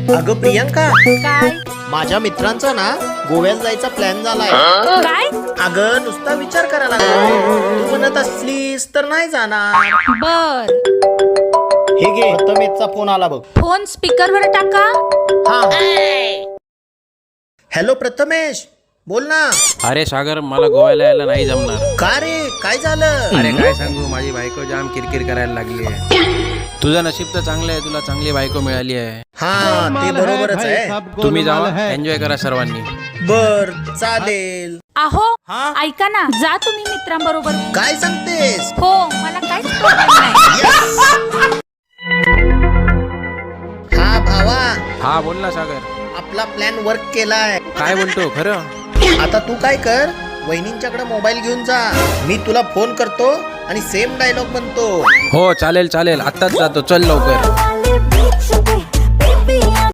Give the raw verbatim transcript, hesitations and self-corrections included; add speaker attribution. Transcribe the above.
Speaker 1: अगं प्रियंका,
Speaker 2: काय
Speaker 1: माझ्या मित्रांचा ना गोव्यात जायचा प्लॅन झालाय.
Speaker 2: काय
Speaker 1: अगं नुसता विचार करायला लागलो. तू म्हणत असलीस तर नाही जाणार.
Speaker 2: बर
Speaker 1: हे घे, प्रथमेशचा फोन आला बघ.
Speaker 2: फोन स्पीकर वर टाका.
Speaker 1: हा. हॅलो प्रथमेश, बोल ना.
Speaker 3: अरे सागर, मला गोव्याला यायला नाही जमणार.
Speaker 1: का रे, काय झालं?
Speaker 3: अरे काय सांगू, माझी बायको जाम किरकिर करायला लागली आहे. तुझं नशीब तर चांगलं आहे, तुला चांगली बायको मिळाली आहे.
Speaker 1: हा, ते बरोबरच आहे.
Speaker 3: तुम्ही जावा, एन्जॉय करा सर्वांनी.
Speaker 1: बर, चालेल.
Speaker 2: आहो
Speaker 1: हा?
Speaker 2: ऐका ना, जा तुम्ही मित्रांबरोबर.
Speaker 1: काय सांगतेस?
Speaker 2: हो, मला काहीच प्रॉब्लेम नाही.
Speaker 1: हा भावा,
Speaker 3: हा बोल ना सागर.
Speaker 1: आपला प्लॅन वर्क केलाय.
Speaker 3: काय बोलतो खरं?
Speaker 1: आता तू काय कर, वहिनींच्याकडे मोबाईल घेऊन जा. मी तुला फोन करतो आणि सेम डायलॉग म्हणतो.
Speaker 3: हो चालेल चालेल, आत्ताच जातो, चल लवकर.
Speaker 4: वाले बीच पे